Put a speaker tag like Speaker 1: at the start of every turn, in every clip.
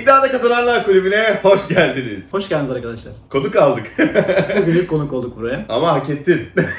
Speaker 1: İddiada Kazananlar Kulübü'ne hoş geldiniz.
Speaker 2: Hoş geldiniz arkadaşlar.
Speaker 1: Konuk aldık.
Speaker 2: Bugünlük konuk olduk buraya.
Speaker 1: Ama hak ettin.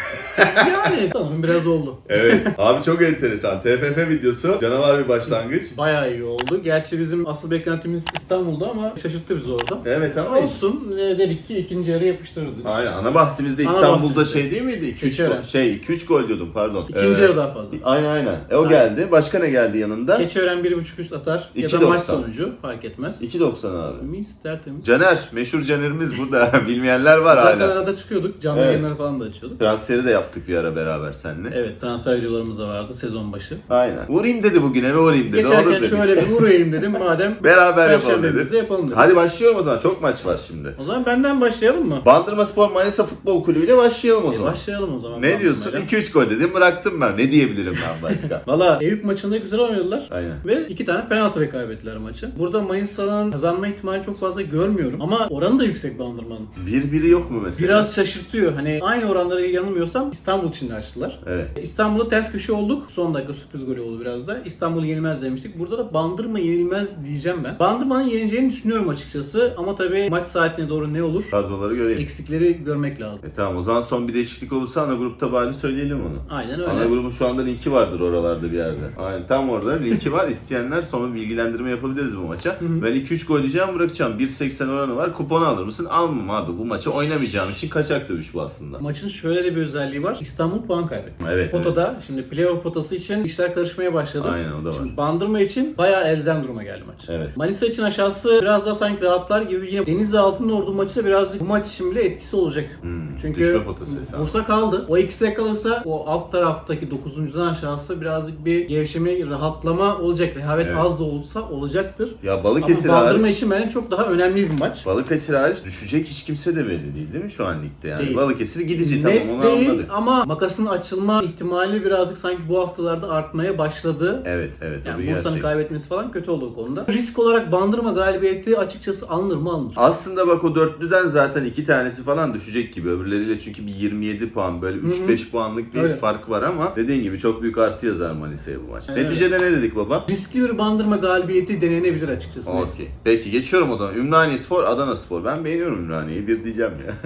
Speaker 2: Yani sanırım biraz oldu.
Speaker 1: Evet. Abi çok enteresan. TFF videosu canavar bir başlangıç.
Speaker 2: Bayağı iyi oldu. Gerçi bizim asıl beklentimiz İstanbul'da ama şaşırttı bizi orada.
Speaker 1: Evet ama
Speaker 2: Olsun. Dedik ki ikinci yarı yapıştırırdık.
Speaker 1: aynen. Ana bahsimizde
Speaker 2: Ana
Speaker 1: İstanbul'da
Speaker 2: bahsimizde.
Speaker 1: şey değil miydi? 2-3
Speaker 2: Keçiören.
Speaker 1: gol. 2-3 gol diyordum pardon.
Speaker 2: İkinci yarı daha fazla.
Speaker 1: Aynen. O
Speaker 2: Aynen.
Speaker 1: geldi. Başka ne geldi yanında?
Speaker 2: Keçiören 1.5 üst atar ya da
Speaker 1: 2.90.
Speaker 2: maç sonucu fark etmez.
Speaker 1: 2.90 abi.
Speaker 2: Mis tertemiz.
Speaker 1: Caner. Meşhur Caner'imiz burada. Bilmeyenler var
Speaker 2: Zaten
Speaker 1: hala.
Speaker 2: arada çıkıyorduk. Canlı
Speaker 1: Evet.
Speaker 2: yayınları falan da açıyorduk.
Speaker 1: Transferi de yaptık bir ara beraber seninle.
Speaker 2: Evet, transfer videolarımız da vardı sezon başı.
Speaker 1: Aynen. Vurayım dedi bugün eve vurayım dedi. Olur
Speaker 2: Geçerken
Speaker 1: dedik.
Speaker 2: şöyle bir uğrayayım dedim madem.
Speaker 1: Beraber yapalım
Speaker 2: Perşembemizde
Speaker 1: dedi.
Speaker 2: yapalım dedim.
Speaker 1: Hadi başlıyorum o zaman. Çok maç var şimdi.
Speaker 2: O zaman benden başlayalım mı?
Speaker 1: Bandırmaspor Manisa Futbol Kulübü ile başlayalım o zaman.
Speaker 2: Başlayalım o zaman.
Speaker 1: Ne diyorsun?
Speaker 2: Bandırmayla.
Speaker 1: 2-3 gol dedim bıraktım ben. Ne diyebilirim ben başka?
Speaker 2: Valla Eyüp maçında güzel oynadılar.
Speaker 1: Aynen.
Speaker 2: Ve 2 tane penaltı kaybettiler maçı. Burada Manisa'nın kazanma ihtimali çok fazla görmüyorum. Ama oranı da yüksek Bandırma'nın.
Speaker 1: Bir yok mu mesela?
Speaker 2: Biraz şaşırtıyor. Hani aynı oranları yanılmıyorsam İstanbul için de açtılar.
Speaker 1: Evet.
Speaker 2: İstanbul'da ters köşe olduk. Son dakika sürpriz golü oldu biraz da. İstanbul yenilmez demiştik. Burada da Bandırma yenilmez diyeceğim ben. Bandırma'nın yenileceğini düşünüyorum açıkçası. Ama tabii maç saatine doğru ne olur?
Speaker 1: Kadroları göreyim.
Speaker 2: Eksikleri görmek lazım.
Speaker 1: Tamam o zaman son bir değişiklik olursa ana grupta bari söyleyelim onu.
Speaker 2: Aynen öyle.
Speaker 1: Ana grubun şu anda linki vardır oralarda bir yerde. Aynen tam orada linki var. İsteyenler sonra bilgilendirme yapabiliriz bu maça. Ben 2-3 gol diyeceğim bırakacağım. 1.80 oranı var. Kuponu alır mısın? Almam abi. Bu maçı oynamayacağım için kaçak dövüş bu aslında.
Speaker 2: Maçın şöyle de bir özelliği var. İstanbul puan kaybetti.
Speaker 1: Evet.
Speaker 2: Potada şimdi playoff potası için işler karışmaya başladı.
Speaker 1: Aynen o da var.
Speaker 2: Şimdi Bandırma için bayağı elzem duruma geldi maç.
Speaker 1: Evet.
Speaker 2: Manisa için aşağısı biraz daha sanki rahatlar gibi. Yine Denizli Altınordu maçı da birazcık bu maç için bile etkisi olacak. Çünkü
Speaker 1: düşme potası hesabı.
Speaker 2: Bursa kaldı. O ikisi kalırsa o alt taraftaki 9.'dan aşağısı birazcık bir gevşeme, rahatlama olacak. Rehavet
Speaker 1: Evet.
Speaker 2: az da olsa olacaktır.
Speaker 1: Ya Balıkesir
Speaker 2: Ama Bandırma
Speaker 1: hariç,
Speaker 2: için bence çok daha önemli bir maç.
Speaker 1: Balıkesir hariç düşecek hiç kimse de belli değil mi şu an ligde yani?
Speaker 2: Değil.
Speaker 1: Balıkesir gidici
Speaker 2: Net
Speaker 1: tamam onu
Speaker 2: değil
Speaker 1: anladık.
Speaker 2: ama makasın açılma ihtimali birazcık sanki bu haftalarda artmaya başladı.
Speaker 1: Evet o bir
Speaker 2: Yani Bursa'nın
Speaker 1: gerçek.
Speaker 2: kaybetmesi falan kötü oldu o konuda. Risk olarak Bandırma galibiyeti açıkçası alınır mı alınır.
Speaker 1: Aslında bak o dörtlüden zaten 2 tanesi falan düşecek gibi. Öbürleriyle çünkü bir 27 puan böyle 3-5 puanlık bir
Speaker 2: Öyle.
Speaker 1: fark var ama dediğin gibi çok büyük artı yazar Manisa'ya bu maç.
Speaker 2: Evet.
Speaker 1: Neticede ne dedik baba?
Speaker 2: Riskli bir Bandırma galibiyeti denenebilir açıkçası.
Speaker 1: Okey. Peki geçiyorum o zaman. Ümraniyespor, Adanaspor. Ben beğeniyorum Ümraniye'yi. Bir diyeceğim ya.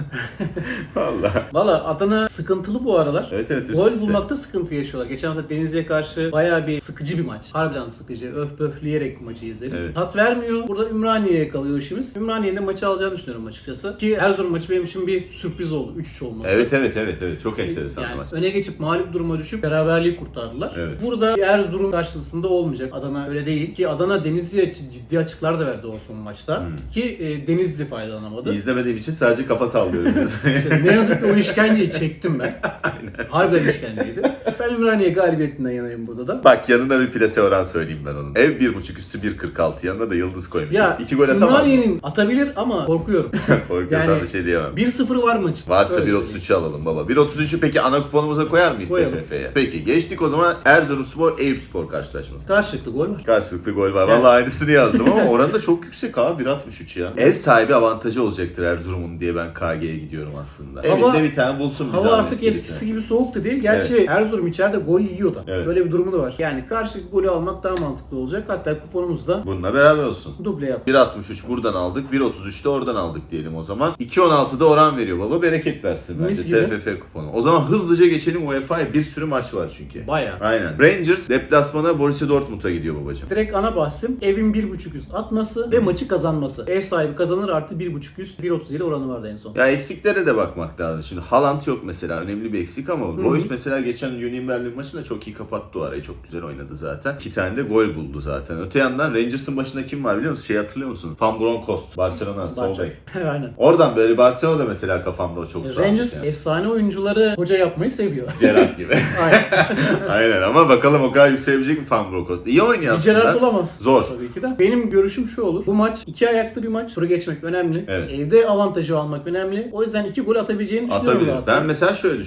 Speaker 1: Valla.
Speaker 2: Valla Adana sıkıntılı bu aralar.
Speaker 1: Evet üst
Speaker 2: Gol
Speaker 1: üste.
Speaker 2: bulmakta sıkıntı yaşıyorlar. Geçen hafta Denizli'ye karşı bayağı bir sıkıcı bir maç. Harbiden sıkıcı. Öf pöfleyerek maçı izledik.
Speaker 1: Evet.
Speaker 2: Tat vermiyor. Burada Ümraniye'ye kalıyor işimiz. Ümraniye'nin de maçı alacağını düşünüyorum açıkçası. Ki Erzurum maçı benim için bir sürpriz oldu. 3-3 olması.
Speaker 1: Evet. Çok enteresan bir
Speaker 2: Yani
Speaker 1: maç.
Speaker 2: öne geçip mağlup duruma düşüp beraberliği kurtardılar.
Speaker 1: Evet.
Speaker 2: Burada Erzurum karşısında olmayacak. Adana öyle değil. Ki Adana Denizli'ye ciddi açıklar da verdi o son maçta. Ki Denizli faydalanamadı.
Speaker 1: İzlemediğim için sadece kafa sallıyorum.
Speaker 2: İşte ne yazık ki o işkenceyi çektim ben. Harbiden işkenceydi. Ben Ümraniye galibiyetinden yanayım burada da.
Speaker 1: Bak yanına bir plase oran söyleyeyim ben onun. Ev 1.5 üstü 1.46 yanına da yıldız koymuş.
Speaker 2: Ya
Speaker 1: 2 gol atamam.
Speaker 2: Ümraniye'nin atabilir ama korkuyorum.
Speaker 1: Korkuyorsan
Speaker 2: Yani
Speaker 1: bir şey diyemem.
Speaker 2: 1-0 var maçın.
Speaker 1: Varsa
Speaker 2: Öyle
Speaker 1: 1.33'ü alalım baba. 1.33'ü peki ana kuponumuza koyar mıyız
Speaker 2: Koyalım.
Speaker 1: TFF'ye? Peki geçtik o zaman Erzurumspor Eyüpspor karşılaşması.
Speaker 2: Karşılıklı gol var.
Speaker 1: Karşılıklı gol var. Vallahi aynısını yazdım ama oranı da çok yüksek abi 1.63 ya. Ev sahibi avantajı olacaktır Erzurum'un diye ben KG'ye gidiyorum aslında.
Speaker 2: Hava-
Speaker 1: Evinde bir tane bulsun bir
Speaker 2: Hava
Speaker 1: zahmet
Speaker 2: artık
Speaker 1: birisine.
Speaker 2: eskisi gibi soğuk da değil. Gerçi Erzurum içeride gol yiyor da.
Speaker 1: Evet.
Speaker 2: Böyle bir durumu da var. Yani karşılıklı golü almak daha mantıklı olacak. Hatta kuponumuzda
Speaker 1: Bununla beraber olsun.
Speaker 2: duble yap.
Speaker 1: 1.63 buradan aldık, 1.33 de oradan aldık diyelim o zaman. 2.16'da oran veriyor baba, bereket versin bence
Speaker 2: Mis gibi.
Speaker 1: TFF kuponu. O zaman hızlıca geçelim UEFA'ya, bir sürü maç var çünkü.
Speaker 2: Bayağı.
Speaker 1: Aynen. Rangers deplasmana Borussia Dortmund'a gidiyor babacığım.
Speaker 2: Direkt ana bahsim evin 1.5 üst atması ve maçı kazanması. Ev sahibi kazanır artı 1.5 üst 1.37 oranı vardı en son.
Speaker 1: Ya eksiklere de bakmak lazım. Şimdi Haaland yok mesela, önemli bir eksik ama Royce mesela geçen Union Berlin maçında çok iyi kapattı o arayı. Çok güzel oynadı zaten. 2 tane de gol buldu zaten. Öte yandan Rangers'ın başında kim var biliyor musun? Şey hatırlıyor musun? Van Bronckhorst, Barcelona sol bek.
Speaker 2: Aynen.
Speaker 1: Oradan böyle Barcelona'da mesela kafamda o çok sağ.
Speaker 2: Rangers
Speaker 1: Yani.
Speaker 2: efsane oyuncuları hoca yapmayı seviyor.
Speaker 1: Gerrard gibi.
Speaker 2: Aynen.
Speaker 1: Aynen ama bakalım o kadar yükselebilecek mi Van Bronckhorst? İyi oynuyor
Speaker 2: Bir
Speaker 1: aslında.
Speaker 2: Gerrard bulamaz.
Speaker 1: Zor.
Speaker 2: Tabii ki de. Benim görüşüm şu olur. Bu maç 2 ayaklı bir maç. Turu geçmek önemli.
Speaker 1: Evet.
Speaker 2: Evde avantajı almak önemli. O yüzden 2 gol atabileceğini düşünüyorum
Speaker 1: Atabilir.
Speaker 2: rahatla.
Speaker 1: Ben mesela şöyle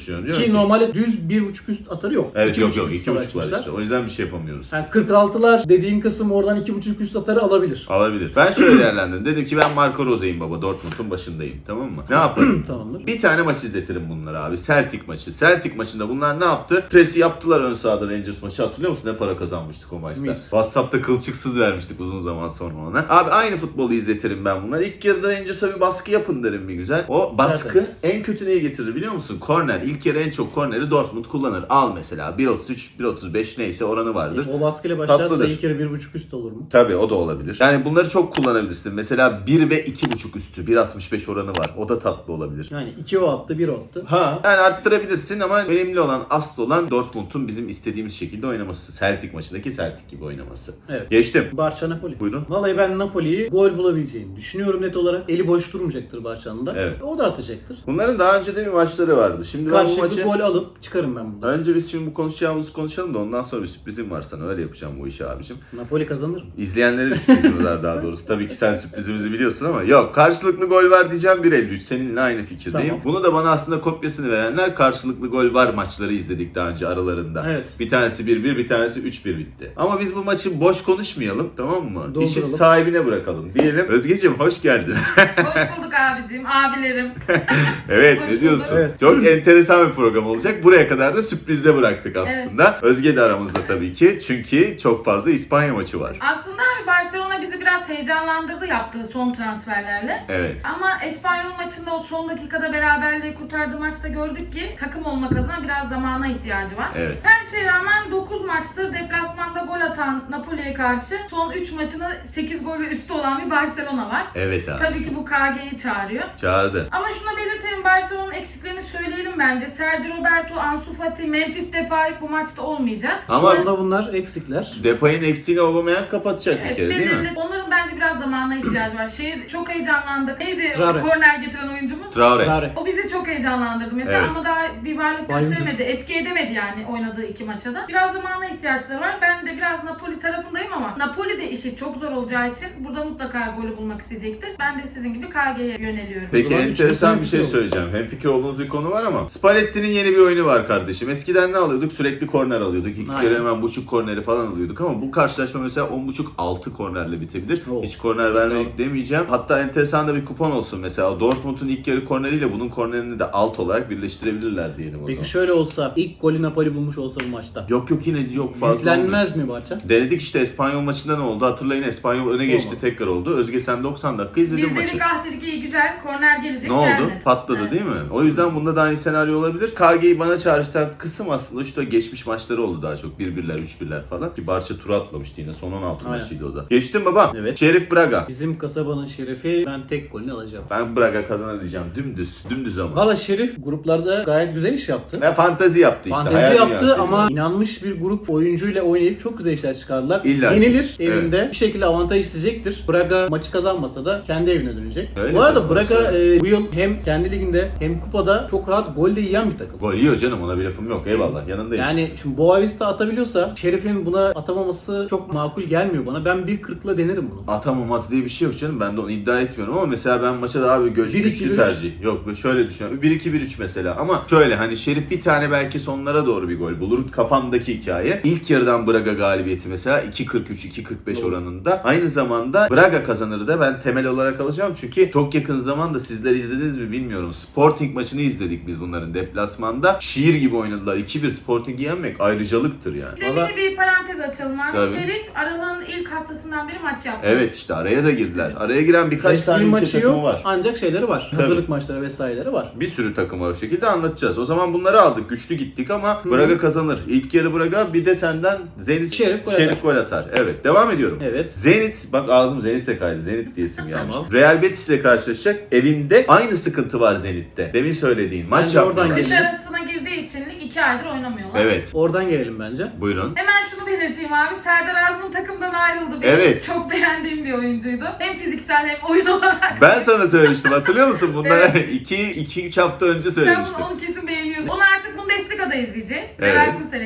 Speaker 1: düşünüyorum. Diyorum
Speaker 2: Ki normalde düz 1.5 üst atarı yok.
Speaker 1: Evet, yok
Speaker 2: 2.5
Speaker 1: 2.5 var
Speaker 2: açmışlar.
Speaker 1: işte. O yüzden bir şey yapamıyoruz.
Speaker 2: Yani 46'lar dediğin kısım oradan 2.5 üst atarı alabilir.
Speaker 1: Alabilir. Ben şöyle değerlendirdim. Dedim ki ben Marco Rose'yim baba. Dortmund'un başındayım. Tamam mı? Ne yaparım?
Speaker 2: Tamamdır.
Speaker 1: Bir tane maç izletirim bunlara abi. Celtic maçı. Celtic maçında bunlar ne yaptı? Presi yaptılar ön sahada Rangers maçı. Hatırlıyor musun? Ne para kazanmıştık o maçta.
Speaker 2: Mis.
Speaker 1: WhatsApp'ta kılçıksız vermiştik uzun zaman sonra ona. Abi aynı futbolu izletirim ben bunlara. İlk yarıda Rangers'a bir baskı yapın derim bir güzel. O baskı
Speaker 2: Tertemiz.
Speaker 1: en kötü neye getirir biliyor musun? Korner. İlk yarı en çok korneri Dortmund kullanır. Al mesela 1.33, 1.35 neyse oranı vardır.
Speaker 2: O baskıyla başlarsa
Speaker 1: Tatlıdır.
Speaker 2: ilk yarı 1.5 üst olur mu?
Speaker 1: Tabii o da olabilir. Yani bunları çok kullanabilirsin. Mesela 1 ve 2.5 üstü 1.65 oranı var. O da tatlı olabilir.
Speaker 2: Yani 2 o attı, 1 o attı.
Speaker 1: Ha. Yani arttırabilirsin ama önemli olan, asıl olan Dortmund'un bizim istediğimiz şekilde oynaması. Celtic maçındaki Celtic gibi oynaması.
Speaker 2: Evet.
Speaker 1: Geçtim.
Speaker 2: Barça Napoli.
Speaker 1: Buyurun.
Speaker 2: Vallahi ben Napoli'yi gol bulabileceğini düşünüyorum net olarak. Eli boş durmayacaktır Barça'nın da.
Speaker 1: Evet.
Speaker 2: O da atacaktır.
Speaker 1: Bunların daha önce de bir maçları vardı. Şimdi ben bu
Speaker 2: Karşılıklı
Speaker 1: maçı...
Speaker 2: gol alıp çıkarım ben buradan.
Speaker 1: Önce biz şimdi bu konuşacağımızı konuşalım da ondan sonra bir sürprizim var sana. Öyle yapacağım bu işi abicim.
Speaker 2: Napoli kazanır mı?
Speaker 1: İzleyenlere bir sürprizimiz var daha doğrusu. Tabii ki sen sürprizimizi biliyorsun ama yok. Karşılıklı gol var diyeceğim 1.53. Seninle aynı fikirdeyim.
Speaker 2: Tamam.
Speaker 1: Bunu da bana aslında kopyasını verenler karşılıklı gol var maçları izledik daha önce aralarında.
Speaker 2: Evet.
Speaker 1: Bir tanesi 1-1, bir tanesi 3-1 bitti. Ama biz bu maçı boş konuşmayalım, tamam mı?
Speaker 2: Dolduralım.
Speaker 1: İşi sahibine bırakalım diyelim. Özgeciğim hoş geldin.
Speaker 3: Hoş bulduk abicim, abilerim.
Speaker 1: Evet,
Speaker 3: Hoş
Speaker 1: ne diyorsun?
Speaker 2: bulduk. Evet.
Speaker 1: Çok enteresan bir program olacak. Buraya kadar da sürprizde bıraktık aslında. Özge de aramızda tabii ki. Çünkü çok fazla İspanya maçı var.
Speaker 3: Aslında abi Barcelona bizi biraz heyecanlandırdı yaptığı son transferlerle.
Speaker 1: Evet.
Speaker 3: Ama Espanyol maçında o son dakikada beraberliği kurtardığı maçta gördük ki takım olmak adına biraz zamana ihtiyacı var.
Speaker 1: Evet.
Speaker 3: Her şeye rağmen 9 maçtır deplasmanda gol atan Napoli'ye karşı son 3 maçında 8 gol ve üstü olan bir Barcelona var.
Speaker 1: Evet abi.
Speaker 3: Tabii ki bu KG'yi çağırıyor.
Speaker 1: Çağırdı.
Speaker 3: Ama şunu belirtelim, Barcelona'nın eksiklerini söyleyelim bence. Sergio Roberto, Ansu Fati, Memphis Depay bu maçta olmayacak.
Speaker 2: Şu
Speaker 1: Ama
Speaker 2: anda bunlar eksikler.
Speaker 1: Depay'ın eksiğini Aubameyang kapatacak bir
Speaker 3: Evet,
Speaker 1: kere değil mi?
Speaker 3: belirli. Onların bence biraz zamana ihtiyacı var. Çok heyecanlandık. Neydi
Speaker 2: Traore.
Speaker 3: korner getiren oyuncumuz?
Speaker 1: Traore.
Speaker 2: Traore.
Speaker 3: O bizi çok heyecanlandırdı mesela
Speaker 1: Evet.
Speaker 3: ama daha bir varlık
Speaker 2: Vay
Speaker 3: gösteremedi. Etki edemedi yani oynadığı 2 maça da. Biraz zamana ihtiyaçları var. Ben de biraz Napoli tarafındayım ama Napoli de işi çok zor olacağı için burada mutlaka golü bulmak isteyecektir. Ben de sizin gibi KG'ye yöneliyorum.
Speaker 1: Peki
Speaker 2: O zaman
Speaker 1: enteresan
Speaker 2: üçüncü
Speaker 1: bir şey
Speaker 2: hemfikir
Speaker 1: söyleyeceğim. Hemfikir olduğunuz bir konu var ama Spalletti'nin yeni bir oyunu var kardeşim. Eskiden ne alıyorduk? Sürekli korner alıyorduk. İlk
Speaker 2: Aynen.
Speaker 1: kere hemen buçuk korneri falan alıyorduk ama bu karşılaşma mesela 10.5-6 kornerle bitebilir.
Speaker 2: Oh.
Speaker 1: Hiç korner vermedik demeyeceğim. Hatta enteresan da bir kupon olsun mesela. Dortmund'un ilk yarı korneriyle bunun kornerini de alt olarak birleştirebilirler diyelim o zaman.
Speaker 2: Peki şöyle olsa, ilk golü Napoli bulmuş olsa bu maçta.
Speaker 1: Yok yine yok fazla oldu.
Speaker 2: Yüklenmez mi Barça?
Speaker 1: Denedik işte Espanyol maçında ne oldu? Hatırlayın Espanyol öne geçti
Speaker 2: Olmadı.
Speaker 1: tekrar oldu. Özge sen 90 dakika izledin
Speaker 3: Biz
Speaker 1: maçı.
Speaker 3: dedik ah dedik iyi güzel korner gelecek
Speaker 1: Ne oldu?
Speaker 3: gelmedi.
Speaker 1: Patladı
Speaker 3: Evet.
Speaker 1: değil mi? O yüzden bunda da aynı senaryo olabilir. KG'yi bana çağrıştıran kısım aslında şu da geçmiş maçları oldu daha çok. 1-1'ler, 3-1'ler falan. Ki Barça tura atlamıştı yine. Son 16
Speaker 2: Aynen.
Speaker 1: maçıydı o da. Geçtim baba.
Speaker 2: Evet.
Speaker 1: Şerif Braga.
Speaker 2: Bizim kasabanın şerefi, ben tek golünü alacağım.
Speaker 1: Ben Braga kazanır diyeceğim. Dümdüz ama.
Speaker 2: Valla Şerif gruplarda gayet güzel iş yaptı.
Speaker 1: Ne fantezi yaptı işte.
Speaker 2: Fantezi
Speaker 1: hayal
Speaker 2: yaptı
Speaker 1: dünyası
Speaker 2: ama
Speaker 1: yani.
Speaker 2: inanmış bir grup oyuncuyla oynayıp çok güzel işler çıkardılar.
Speaker 1: İlla ki.
Speaker 2: Yenilir
Speaker 1: Evet.
Speaker 2: evinde. Bir şekilde avantaj isteyecektir. Braga maçı kazanmasa da kendi evine dönecek.
Speaker 1: Öyle
Speaker 2: Bu arada
Speaker 1: tabii,
Speaker 2: Braga
Speaker 1: orası.
Speaker 2: bu yıl hem kendi liginde hem kupada çok rahat gol de yiyen bir takım.
Speaker 1: Gol yiyor canım, ona bir lafım yok. Eyvallah, yanındayım.
Speaker 2: Yani şimdi Boavista atabiliyorsa Şerif'in buna atamaması çok makul gelmiyor bana. Ben 1.40'la denerim bunu.
Speaker 1: Atamamaz diye bir şey yok canım. Ben de onu iddia etmiyorum ama mesela ben maça daha bir
Speaker 2: 1-2-1-3.
Speaker 1: güçlü tercih. Yok şöyle düşünüyorum. 1-2-1-3 mesela ama şöyle hani Şerif bir tane belki sonlara doğru bir gol bulur. Kafamdaki hikaye. İlk yarıdan Braga galibiyeti mesela 2.43-2.45
Speaker 2: Doğru.
Speaker 1: oranında. Aynı zamanda Braga kazanır da ben temel olarak alacağım. Çünkü çok yakın zamanda sizler izlediniz mi bilmiyorum. Sporting maçını izledik biz bunların deplasmanda. Şiir gibi oynadılar. 2-1 Sporting'i yenmek ayrıcalıktır yani.
Speaker 3: Bir de
Speaker 2: Valla-
Speaker 3: bir parantez açalım abi.
Speaker 1: Tabii.
Speaker 3: Şerif Aralığın ilk haftasından beri maç yaptı.
Speaker 1: Evet işte araya da girdiler. Araya giren birkaç
Speaker 2: Resmi
Speaker 1: tane ülke
Speaker 2: maçı
Speaker 1: takımı
Speaker 2: yok
Speaker 1: var.
Speaker 2: ancak şeyleri var.
Speaker 1: Tabii.
Speaker 2: Hazırlık maçları vesaireleri var.
Speaker 1: Bir sürü takım var o şekilde anlatacağız. O zaman bunları aldık. Güçlü gittik ama Braga kazanır. İlk yarı Braga, bir de senden Zenit
Speaker 2: Şerif gol
Speaker 1: atar. Evet, devam ediyorum.
Speaker 2: Evet.
Speaker 1: Zenit, bak ağzım Zenit'e kaydı. Zenit diyesim gelmiş.
Speaker 2: Tamam.
Speaker 1: Real Betis ile karşılaşacak. Evinde aynı sıkıntı var Zenit'te. Demin söylediğin. Maç
Speaker 2: Bence oradan
Speaker 1: yapmıyorlar.
Speaker 3: Kış arasına girdiği için lig 2 aydır oynamıyorlar.
Speaker 1: Evet.
Speaker 2: Oradan gelelim bence.
Speaker 1: Buyurun.
Speaker 3: Hemen şunu belirteyim abi. Serdar Azmun takımdan ayrıldı. Benim
Speaker 1: Evet.
Speaker 3: çok beğendiğim bir oyuncuydu. Hem fiziksel hem oyun olarak.
Speaker 1: Ben sana söylemiştim, hatırlıyor musun? Bunlara 2-3 hafta önce
Speaker 3: Sen
Speaker 1: söylemiştim.
Speaker 3: onu kesin beğeniyorsun. Onu artık Bundesliga'da izleyeceğiz.
Speaker 1: Evet.
Speaker 3: Leverkusen'e gitti.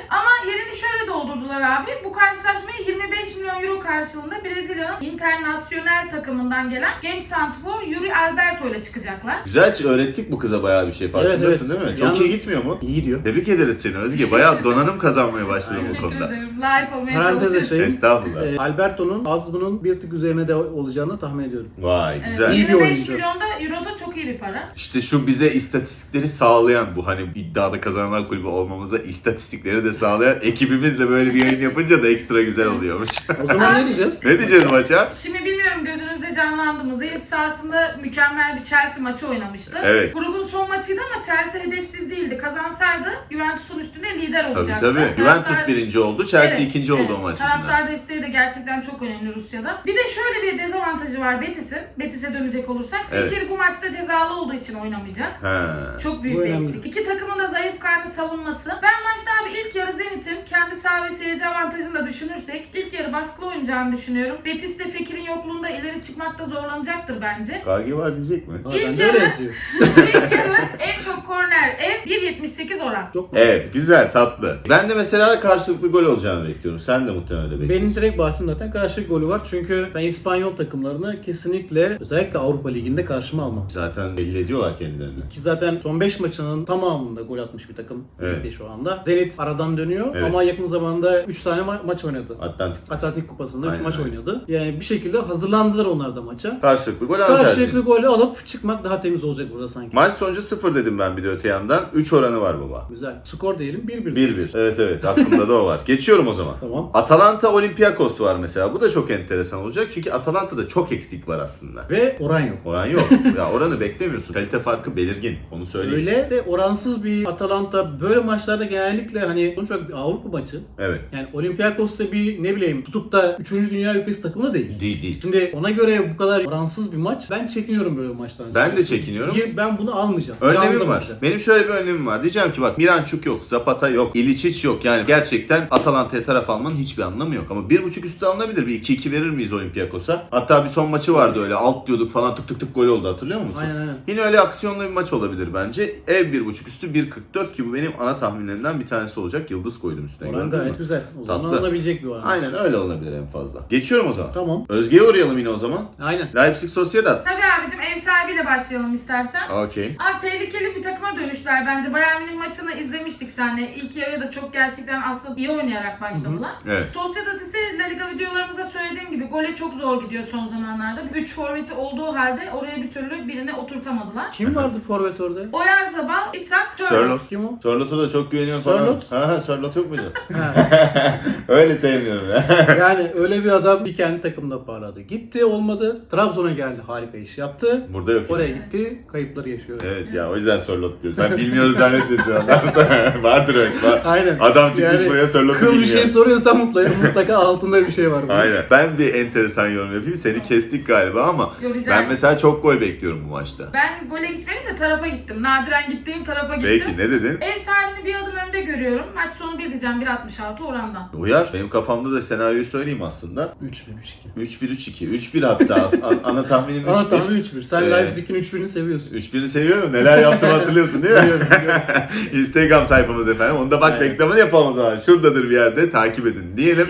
Speaker 3: Ama yerini şöyle doldurdular abi. Bu karşılaşmaya 25 milyon euro karşılığında Brezilya'nın internasyonel takımından gelen genç santrfor Yuri Alberto ile çıkacaklar.
Speaker 1: Güzel, öğrettik bu kıza bayağı bir şey. Farkındasın
Speaker 2: Evet.
Speaker 1: değil mi? Çok
Speaker 2: Yalnız
Speaker 1: iyi gitmiyor mu?
Speaker 2: İyi gidiyor.
Speaker 1: Tebrik ederiz seni Özge. Bayağı donanım kazanmaya başladın bu
Speaker 3: Teşekkür
Speaker 1: konuda.
Speaker 3: ederim. Layık olmaya
Speaker 2: Parantez
Speaker 3: çalışıyorum.
Speaker 2: açayım.
Speaker 1: Estağfurullah.
Speaker 2: Alberto'nun az bunun bir tık üzerine de olacağını tahmin ediyorum.
Speaker 1: Vay güzel.
Speaker 2: İyi bir
Speaker 3: 25
Speaker 2: oyuncu.
Speaker 3: milyon da euro da çok iyi bir para.
Speaker 1: İşte şu bize istatistikleri sağlayan, bu hani iddiada kazananlar kulübü olmamıza istatistikleri de sağlayan ekibimizle böyle bir yayın yapınca da ekstra güzel oluyormuş.
Speaker 2: O zaman ne diyeceğiz?
Speaker 1: Ne diyeceğiz maça?
Speaker 3: Şimdi bilmiyorum gözünüzde canlandı mı? Zenit sahasında mükemmel bir Chelsea maçı oynamıştı.
Speaker 1: Evet.
Speaker 3: Grubun son maçıydı ama Chelsea hedefsiz değildi. Kazansaydı Juventus'un üstünde lider
Speaker 1: Tabii
Speaker 3: olacaktı.
Speaker 1: tabii. Juventus birinci oldu, Chelsea
Speaker 3: Evet,
Speaker 1: ikinci oldu
Speaker 3: evet.
Speaker 1: o maç yüzünden.
Speaker 3: Taraftar desteği de gerçekten çok önemli Rusya'da. Bir de şöyle bir dezavantajı var Betis'in. Betis'e dönecek olursak.
Speaker 1: Evet.
Speaker 3: Fekir bu maçta cezalı olduğu için oynamayacak.
Speaker 1: Ha.
Speaker 3: Çok büyük
Speaker 2: Bu
Speaker 3: bir
Speaker 2: önemli.
Speaker 3: eksik. İki takımın da zayıf karnı savunması. Ben maçta abi ilk yarı Zenit'in kendi saha ve seyirci avantajını da düşünürsek ilk yarı baskılı oynayacağını düşünüyorum. Betis de Fekir'in yokluğunda ileri çıkmakta zorlanacaktır bence.
Speaker 1: KG var diyecek mi?
Speaker 2: Aa,
Speaker 3: İlk
Speaker 2: ben de
Speaker 3: yarı-
Speaker 2: öyle yazıyor.
Speaker 3: İlk yarı en çok korner ev 1.78 oran.
Speaker 2: Çok
Speaker 1: Evet, güzel, tatlı. Ben de mesela karşılıklı gol olacağını bekliyorum. Sen de muhtemelen öyle bekliyorsun.
Speaker 2: Benim direkt bahsim zaten karşılık golü var. Çünkü ben İspanyol takımlarını kesinlikle özellikle Avrupa Ligi'nde karşıma almam.
Speaker 1: Zaten belli ediyorlar kendilerini.
Speaker 2: Ki zaten son 5 maçının tamamında gol atmış bir takım
Speaker 1: Evet.
Speaker 2: ligde şu anda. Zenit aradan dönüyor
Speaker 1: Evet.
Speaker 2: ama yakın zamanda 3 tane maç oynadı.
Speaker 1: Atlantik.
Speaker 2: Atlantik Kupası'nda 3
Speaker 1: Aynen,
Speaker 2: maç
Speaker 1: aynen.
Speaker 2: oynadı. Yani bir şekilde hazırlandılar onlar da maça.
Speaker 1: Karşılıklı gol avantajı.
Speaker 2: Karşılıklı golü alıp çıkmak daha temiz olacak burada sanki.
Speaker 1: Maç sonucu 0 dedim ben bir de öte yandan. 3 oranı var baba.
Speaker 2: Güzel. Skor diyelim 1-1.
Speaker 1: 1-1. Evet aklımda da o var. Geçiyorum o zaman.
Speaker 2: Tamam.
Speaker 1: Atalanta Olympiakos var mesela. Bu da çok enteresan olacak. Çünkü Atalanta'da çok eksik var aslında.
Speaker 2: Ve oran yok.
Speaker 1: Oran yok. Ya oranı beklemiyorsun. Kalite farkı belirgin. Onu söyleyeyim.
Speaker 2: Öyle de oransız bir Atalanta böyle maçlarda genellikle hani sonuç olarak bir Avrupa maçı.
Speaker 1: Evet.
Speaker 2: Yani Olympiakos da bir ne bileyim tutup da 3. Dünya ülkesi takımı da değil.
Speaker 1: Değil.
Speaker 2: Şimdi ona göre bu kadar oransız bir maç ben çekiniyorum böyle maçtan.
Speaker 1: Ben de çekiniyorum.
Speaker 2: Ben bunu almayacağım.
Speaker 1: Önlemim
Speaker 2: Canlı
Speaker 1: var.
Speaker 2: maçı.
Speaker 1: Benim şöyle bir önlemim var. Diyeceğim ki bak Miranchuk yok, Zapata yok, İličić yok. Yani gerçekten Atalanta'ya taraf almanın hiçbir anlamı yok. Ama 1.5 üstü alınabilir. Bir 2-2 verir miyiz Olympiakos'a? Hatta bir son maçı vardı öyle. Alt diyorduk falan tık tık tık gol oldu hatırlıyor musun?
Speaker 2: Aynen.
Speaker 1: Yine öyle aksiyonlu bir maç olabilir bence. Ev 1.5 üstü 1.44 ki bu benim ana tahminlerimden bir tanesi olacak. Yıldız koydum üstüne.
Speaker 2: Oran
Speaker 1: gördün mü?
Speaker 2: gayet güzel. O zaman
Speaker 1: Tatlı.
Speaker 2: alınabilecek bir oran.
Speaker 1: Aynen öyle olabilir en fazla. Geçiyorum o zaman.
Speaker 2: Tamam.
Speaker 1: Özge'ye uğrayalım yine o zaman.
Speaker 2: Aynen.
Speaker 1: Leipzig Sociedad.
Speaker 3: Tabii abicim ev sahibiyle başlayalım istersen.
Speaker 1: Okey.
Speaker 3: Abi tehlikeli bir takıma dönüşler bence. Bayern Münih maçını izlemiştik seninle. İlk yarıya da çok gerçekten aslında iyi oynayarak başladılar.
Speaker 1: Evet.
Speaker 3: Sociedad ise La Liga videolarımızda söylediğim gibi gole çok zor gidiyor son zamanlarda. 3 forveti olduğu halde oraya bir türlü birini oturtamadılar.
Speaker 2: Kim vardı forvet orada?
Speaker 3: Oyarzabal, İshak,
Speaker 1: Sörloth.
Speaker 2: Kim o?
Speaker 1: Sörloth'a da çok güveniyorum falan.
Speaker 2: Sörloth?
Speaker 1: Ha, Sörloth yok muydu?
Speaker 2: Ha.
Speaker 1: Öyle sevmiyorum ya.
Speaker 2: Yani öyle bir adam bir kendi takımda parladı. Gitti olmadı. Trabzon'a geldi. Harika iş yaptı.
Speaker 1: Burada yok.
Speaker 2: Oraya
Speaker 1: yani.
Speaker 2: gitti. Kayıpları yaşıyor.
Speaker 1: Evet ya o yüzden Sörloth diyor. Sen bilmiyoruz zannetmesin ondan sonra. Vardır öyle.
Speaker 2: Aynen.
Speaker 1: Adam çıkmış
Speaker 2: Yani
Speaker 1: buraya Sörloth'u
Speaker 2: Kıl
Speaker 1: bilmiyor.
Speaker 2: bir şey soruyorsan mutlaka altında bir şey var. bunun.
Speaker 1: Aynen. Ben bir enteresan yorum yapayım. Seni kestik galiba ama
Speaker 3: Yo, rica
Speaker 1: ben
Speaker 3: ederim.
Speaker 1: mesela çok gol bekliyorum bu maçta.
Speaker 3: Ben gole gitmedim de tarafa gittim. Nadiren gittiğim tarafa gittim.
Speaker 1: Peki ne dedin?
Speaker 3: Ev sahibini bir adım önde görüyorum. Maç sonu 1 diyeceğim 1.66 orandan.
Speaker 1: Uyar. Benim kafamda da senaryoyu söyleyeyim aslında.
Speaker 2: 3-1-3-2.
Speaker 1: 3-1-3-2. 3-1 hatta. Ana tahminim 3-1.
Speaker 2: Aa tamam 3-1. Sen
Speaker 1: Ee,
Speaker 2: Leipzig'in 3-1'ini seviyorsun.
Speaker 1: 3-1'i seviyorum. Neler yaptım hatırlıyorsun değil mi?
Speaker 2: Biliyorum.
Speaker 1: Instagram sayfamız efendim. Onu da bak
Speaker 2: Aynen.
Speaker 1: reklamını yapalım o zaman. Şuradadır bir yerde takip edin diyelim.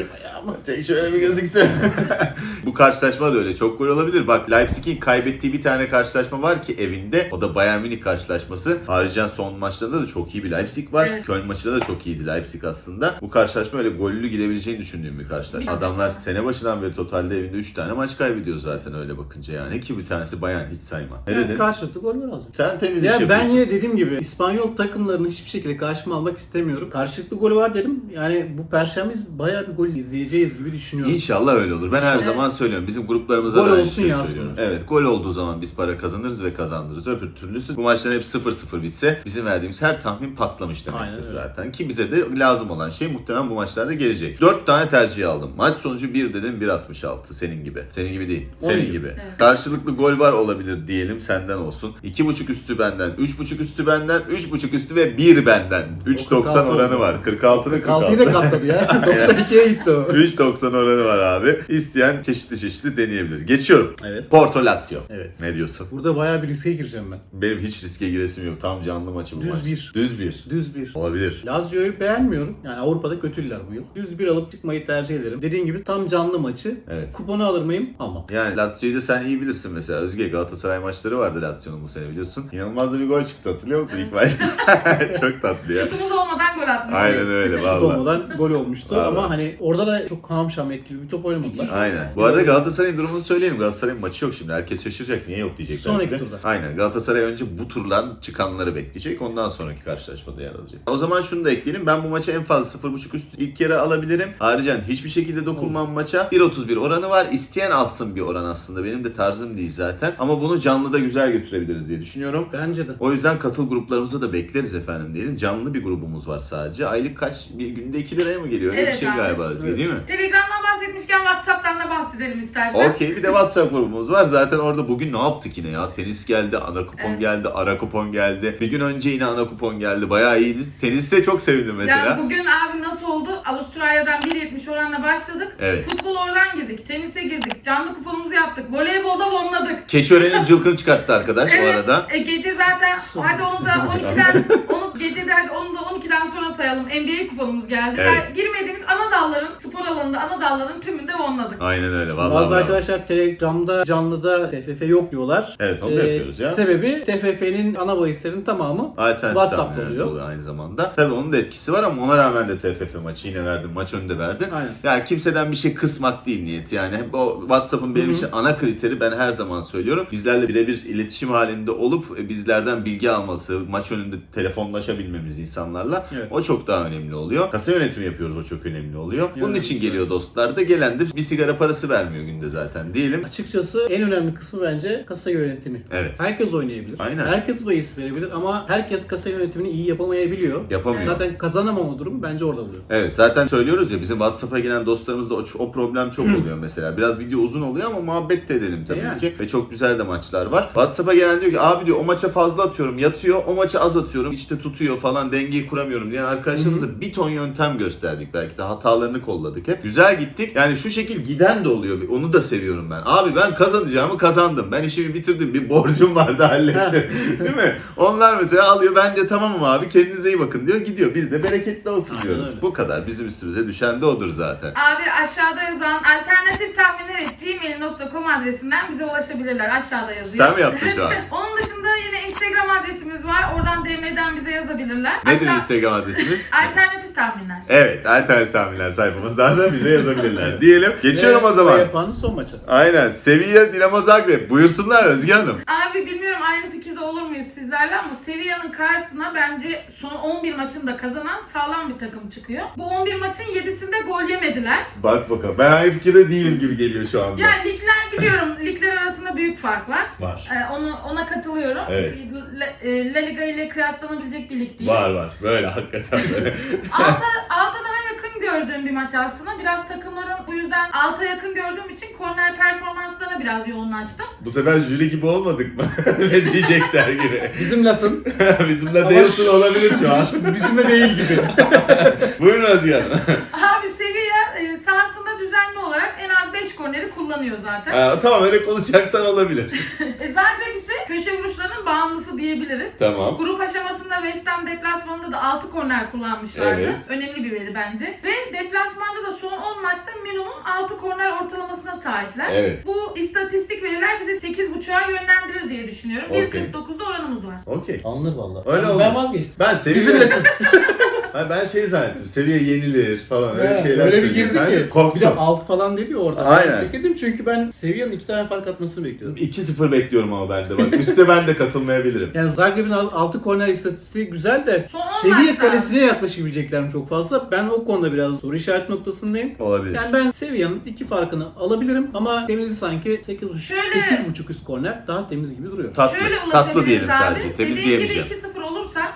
Speaker 1: Şöyle bir gözüksün. Bu karşılaşma da öyle. Çok gol olabilir. Bak Leipzig'in kaybettiği bir tane karşılaşma var ki evinde. O da Bayern Münih karşılaşması. Ayrıca son maçlarında da çok iyi bir Leipzig var.
Speaker 3: Evet.
Speaker 1: Köln maçında da çok iyiydi Leipzig aslında. Bu karşılaşma öyle gollü gidebileceğini düşündüğüm bir karşılaşma.
Speaker 3: Evet.
Speaker 1: Adamlar sene başından beri totalde evinde 3 tane maç kaybediyor zaten öyle bakınca yani. Ki bir tanesi Bayern hiç sayma. Ne
Speaker 2: Yani
Speaker 1: dedin?
Speaker 2: karşılıklı gol var azıcık.
Speaker 1: Sen temiz iş
Speaker 2: Ya ben
Speaker 1: yapıyorsun.
Speaker 2: yine dediğim gibi İspanyol takımlarını hiçbir şekilde karşıma almak istemiyorum. Karşılıklı golü var dedim. Yani bu perşembe bayağı bir gol izleyeceğiz gibi düşünüyorum.
Speaker 1: İnşallah öyle olur. Ben her
Speaker 3: Evet.
Speaker 1: zaman söylüyorum. Bizim gruplarımıza
Speaker 2: Gol
Speaker 1: da aynı
Speaker 2: olsun
Speaker 1: şeyi
Speaker 2: ya
Speaker 1: söylüyorum.
Speaker 2: aslında.
Speaker 1: Evet, gol olduğu zaman biz para kazanırız ve kazandırırız. Öbür türlüsü bu maçların hep 0-0 bitse bizim verdiğimiz her tahmin patlamış demektir
Speaker 2: Aynen öyle.
Speaker 1: zaten. Ki bize de lazım olan şey muhtemelen bu maçlarda gelecek. 4 tane tercih aldım. Maç sonucu 1 dedim 1.66 senin gibi. Senin gibi değil. Senin
Speaker 2: Onun
Speaker 1: gibi.
Speaker 3: Evet.
Speaker 1: Karşılıklı gol var olabilir diyelim senden olsun. 2.5 üstü benden, 3.5 üstü benden, 3.5 üstü ve 1 benden. 3.90
Speaker 2: 46
Speaker 1: oranı
Speaker 2: oldu.
Speaker 1: var. 46'nın
Speaker 2: 46'yı da
Speaker 1: 46.
Speaker 2: katladı ya. 92'ye gitti o.
Speaker 1: 3.90 oranı var abi. İsteyen çeşitli deneyebilir. Geçiyorum.
Speaker 2: Evet.
Speaker 1: Porto Lazio.
Speaker 2: Evet.
Speaker 1: Ne diyorsun?
Speaker 2: Burada bayağı bir riske gireceğim ben.
Speaker 1: Benim hiç riske giresim yok. Tam canlı maçı bu
Speaker 2: Düz
Speaker 1: maç.
Speaker 2: bir.
Speaker 1: Düz bir.
Speaker 2: Düz bir.
Speaker 1: Olabilir.
Speaker 2: Lazio'yu beğenmiyorum. Yani Avrupa'da kötüler bu yıl. Düz bir alıp çıkmayı tercih ederim. Dediğin gibi tam canlı maçı.
Speaker 1: Evet.
Speaker 2: Kuponu alır mıyım? Ama.
Speaker 1: Yani Lazio'yu da sen iyi bilirsin mesela. Özge, Galatasaray maçları vardı Lazio'nun bu sene biliyorsun. İnanılmaz da bir gol çıktı, hatırlıyor musun ilk maçta? Çok tatlı ya.
Speaker 3: Şutumuz olmadan gol atmış.
Speaker 1: Aynen öyle
Speaker 2: Şut
Speaker 1: vallahi.
Speaker 2: olmadan gol olmuştu
Speaker 1: Vallahi.
Speaker 2: ama hani orada da çok hamşam etkili bir top oynamadılar.
Speaker 1: Aynen. Bu arada Galatasaray'ın durumunu söyleyelim. Galatasaray'ın maçı yok şimdi. Herkes şaşıracak. Niye yok diyecekler.
Speaker 2: Sonraki
Speaker 1: bir de.
Speaker 2: turda.
Speaker 1: Aynen. Galatasaray önce bu turdan çıkanları bekleyecek. Ondan sonraki karşılaşmada yer alacak. O zaman şunu da ekleyelim. Ben bu maça en fazla 0.5 üst ilk yarı alabilirim. Ayrıca hiçbir şekilde dokunmam maça. 1.31 oranı var. İsteyen alsın bir oran aslında. Benim de tarzım değil zaten. Ama bunu canlıda güzel götürebiliriz diye düşünüyorum.
Speaker 2: Bence de.
Speaker 1: O yüzden katıl gruplarımıza da bekleriz efendim diyelim. Canlı bir grubumuz var sadece. Aylık kaç? Bir günde 2 liraya mı geliyor? Öyle
Speaker 3: Evet
Speaker 1: bir şey
Speaker 3: abi.
Speaker 1: galiba Özge,
Speaker 2: Evet.
Speaker 1: değil mi?
Speaker 3: Telegram'dan bahsetmişken WhatsApp'tan da bahsedelim istersen.
Speaker 1: Okey, bir de WhatsApp grubumuz var. Zaten orada bugün ne yaptık yine ya? Tenis geldi, ana kupon
Speaker 3: Evet.
Speaker 1: geldi, ara kupon geldi. Bir gün önce yine ana kupon geldi. Bayağı iyiydi. Teniste çok sevindim mesela.
Speaker 3: Yani bugün abi nasıl oldu? Avustralya'dan 1.70 oranla başladık.
Speaker 1: Evet.
Speaker 3: Futbol oradan girdik. Tenise girdik. Canlı kuponumuzu yaptık. Voleybolda bonladık.
Speaker 1: Keşören'in cılkını çıkarttı arkadaş bu arada.
Speaker 3: Gece zaten
Speaker 2: Son.
Speaker 3: hadi onu da 12'den gecede hadi onu da 12'den sonra sayalım. NBA kuponumuz geldi.
Speaker 1: Evet.
Speaker 3: Yani girmediğimiz ana dalların, spor alanında ana dalların tümünde bonladık.
Speaker 1: Aynen öyle. Vallahi
Speaker 2: Bazı
Speaker 1: bravo.
Speaker 2: arkadaşlar Telegram'da canlıda TFF yok diyorlar.
Speaker 1: Evet, onu da yapıyoruz ya.
Speaker 2: Sebebi TFF'nin ana bahislerin tamamı
Speaker 1: Alternatif
Speaker 2: WhatsApp'ta
Speaker 1: tahminler
Speaker 2: oluyor.
Speaker 1: aynı zamanda. Tabii onun da etkisi var ama ona rağmen de TFF maçı yine verdin. Maç önünde verdin.
Speaker 2: Aynen.
Speaker 1: Yani kimseden bir şey kısmak değil niyeti. Yani hep o WhatsApp'ın benim
Speaker 2: Hı hı.
Speaker 1: için ana kriteri, ben her zaman söylüyorum. Bizlerle birebir iletişim halinde olup bizlerden bilgi alması, maç önünde telefonlaşabilmemiz insanlarla,
Speaker 2: Evet.
Speaker 1: o çok daha önemli oluyor. Kasa yönetimi yapıyoruz, o çok önemli oluyor. Bunun
Speaker 2: Evet,
Speaker 1: için
Speaker 2: evet.
Speaker 1: geliyor dostlar da, gelen de bir sigara parası vermiyor günde zaten diyelim.
Speaker 2: Açıkçası en önemli kısmı bence kasa yönetimi.
Speaker 1: Evet.
Speaker 2: Herkes oynayabilir.
Speaker 1: Aynen.
Speaker 2: Herkes bahis verebilir ama herkes kasa yönetimini iyi yapamayabiliyor.
Speaker 1: Yapamıyor.
Speaker 2: Zaten kazanamama durumu bence orada oluyor.
Speaker 1: Evet, zaten söylüyoruz ya, bizim WhatsApp'a gelen dostlarımızda o problem çok oluyor mesela. Biraz video uzun oluyor ama muhabbet de edelim tabii
Speaker 2: Yani.
Speaker 1: ki. Ve çok güzel de maçlar var. WhatsApp'a gelen diyor ki abi diyor o maça fazla atıyorum yatıyor, o maça az atıyorum işte tutuyor falan, dengeyi kuramıyorum diyen arkadaşlarımıza bir ton yöntem gösterdik, belki de hatalarını kolladık hep. Güzel gittik. Yani şu şekil giden de oluyor. Onu da seviyorum ben. Abi ben kazanacağımı kazandım. Ben işimi bitirdim. Bir borcum vardı, hallettim. Değil mi? Onlar mesela alıyor. Bence tamamım abi, kendinize iyi bakın diyor. Gidiyor. Biz de bereketli olsun
Speaker 2: Aynen
Speaker 1: diyoruz.
Speaker 2: öyle.
Speaker 1: Bu kadar. Bizim üstümüze düşen de odur zaten.
Speaker 3: Abi aşağıda yazan alternatiftahminler@gmail.com adresinden bize ulaşabilirler. Aşağıda yazıyor.
Speaker 1: Sen mi yaptın şu an?
Speaker 3: Onun dışında yine Instagram adresimiz var. Oradan DM'den bize yazabilirler.
Speaker 1: Nedir Instagram adresimiz?
Speaker 3: Alternatif tahminler.
Speaker 1: Evet, alternatif tahminler sayfamızdan da bize yazabilirler diyelim. Geçiyorum o zaman.
Speaker 2: UEFA'nın son maçı.
Speaker 1: Aynen. Sevilla Dinamo Zagreb. Buyursunlar Özge Hanım.
Speaker 3: Abi bilmiyorum aynı fikirde olur muyuz sizlerle ama Sevilla'nın karşısına bence son 11 maçında kazanan sağlam bir takım çıkıyor. Bu 11 maçın 7'sinde gol yemediler.
Speaker 1: Bak bakalım. Ben aynı fikirde değilim gibi geliyor şu anda.
Speaker 3: Yani ligler biliyorum. Ligler arasında büyük fark var.
Speaker 1: Var.
Speaker 3: Ona katılıyorum.
Speaker 1: Evet.
Speaker 3: La Liga ile kıyaslanabilecek bir lig değil.
Speaker 1: Var. Böyle hakikaten böyle.
Speaker 3: Alta daha yakın gördüğüm bir maç aslında. Biraz takımların bu yüzden alta yakın gördüğüm için korner performanslarına biraz yoğunlaştım.
Speaker 1: Bu sefer jüri gibi olmadık mı? Ne diyecekler gibi.
Speaker 2: Bizimlesin.
Speaker 1: Bizimle değilsin olabilir şu an.
Speaker 2: Bizimle değil gibi.
Speaker 1: Buyurun Özge Hanım.
Speaker 3: Abi Sevilla sahasında düzenli olarak en az 5 korneri kullanıyor zaten.
Speaker 1: Tamam, öyle konuşacaksan olabilir.
Speaker 3: Zagreb ise köşe vuruşlarının bağımlısı diyebiliriz.
Speaker 1: Tamam.
Speaker 3: Grup aşamasında West Ham deplasmanında da 6 korner kullanmışlardı.
Speaker 1: Evet.
Speaker 3: Önemli bir veri bence. Ve deplasmanda da son 10 maçta minimum 6 korner ortalamasına sahipler.
Speaker 1: Evet.
Speaker 3: Bu istatistik veriler bize 8.5'a yönlendirir diye düşünüyorum.
Speaker 1: Okey.
Speaker 3: 1.49'da oranımız var.
Speaker 1: Okey.
Speaker 2: Anlar valla.
Speaker 1: Öyle
Speaker 2: ben,
Speaker 1: oldu.
Speaker 2: ben vazgeçtim.
Speaker 1: Ben Sevilla...
Speaker 2: Bizimlesin.
Speaker 1: Ben şey zannettim. Seviye yenilir falan öyle şeyler
Speaker 2: Öyle bir
Speaker 1: söyleyecek.
Speaker 2: girdi
Speaker 1: Zannettim.
Speaker 2: ki. Bir de
Speaker 1: Korktum.
Speaker 2: alt falan dedi ya orada.
Speaker 1: Aynen.
Speaker 2: Ben çekildim çünkü ben Sevilla'nın 2 tane fark atmasını bekliyordum.
Speaker 1: 2-0 bekliyorum ama ben de bak. Üste ben de katılmayabilirim.
Speaker 2: Yani Zagreb'in 6 korner istatistiği güzel de
Speaker 3: Son on
Speaker 2: seviye
Speaker 3: maçta.
Speaker 2: kalesine yaklaşabilecekler mi çok fazla? Ben o konuda biraz soru işaret noktasındayım.
Speaker 1: Olabilir.
Speaker 2: Yani ben Sevilla'nın 2 farkını alabilirim ama temizi sanki 8.5 üst korner daha temiz gibi duruyor.
Speaker 1: Tatlı.
Speaker 3: Şöyle
Speaker 1: Tatlı
Speaker 3: ulaşabiliriz
Speaker 1: diyelim
Speaker 3: abi.
Speaker 1: sadece. Temiz
Speaker 3: Dediğim gibi
Speaker 1: diyemeyeceğim.
Speaker 3: 2-0 olursa